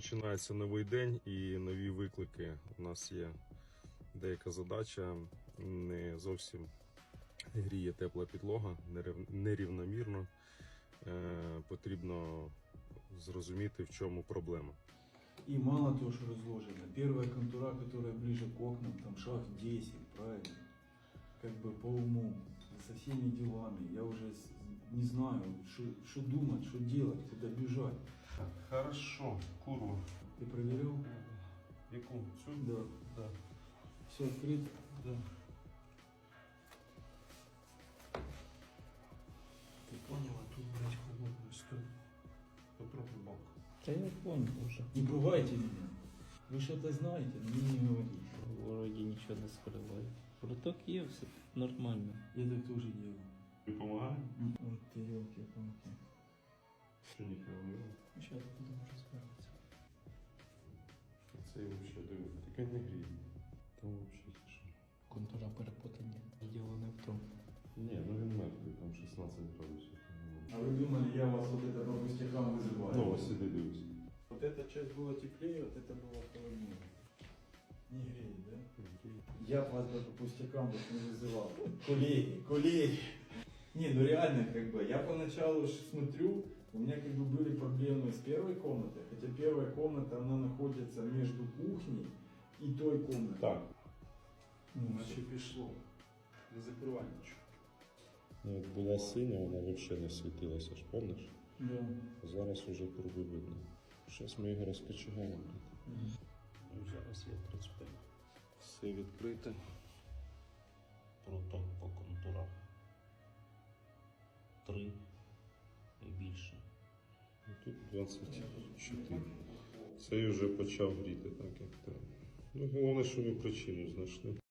Починається новий день і нові виклики. У нас є деяка задача, не зовсім гріє тепла підлога, нерівномірно. Потрібно зрозуміти, в чому проблема. И мало того, что разложено. Первая контура, которая ближе к окнам, там шаг 10, правильно? Как бы по уму, со всеми делами. Я уже не знаю, что думать, что делать, куда бежать. Хорошо, курва. Ты проверил? Яку? Цю? Да. Да. Все открыто? Да. Ты поняла, тут, блядь, холодно, стой. Потроху бок. Да я понял уже. Не пугайте меня. Вы что-то знаете, но мне не говорите. Вроді нічого не скриває. Проток є, все нормально. Я так тоже делаю. Ти допомагає? Вот ты елки-палки. Що ніхто не робить? Сейчас будем разбираться. Це взагалі дивно. Таке не гріє. Там взагалі тише. Контура перепутання. Діло не в тому. Ні, ну він мертвий, там 16 градусів. А вы думали, я вас вот это по пустякам вызываю? Ну, ось сиди, дивись. Вот эта часть была теплее, вот это было холоднее. Не греет, да? Я вас бы по пустякам вот не вызывал. Коллеги. Не, ну реально, как бы, я поначалу смотрю, у меня как бы были проблемы с первой комнатой, хотя первая комната, она находится между кухней и той комнатой. Так. Ну, наче пішло. Не закривай нічого. Ну, от була синя, вона взагалі не світилася, ж пам'ятаєш? Да. Зараз уже круги видно. Зараз ми його розкочегаємо. Зараз є 35. Все відкрите. Проток по контурах. 3 і більше. Тут 24. Цей вже почав гріти так, як треба. Ну, головне, що ми причину знайшли.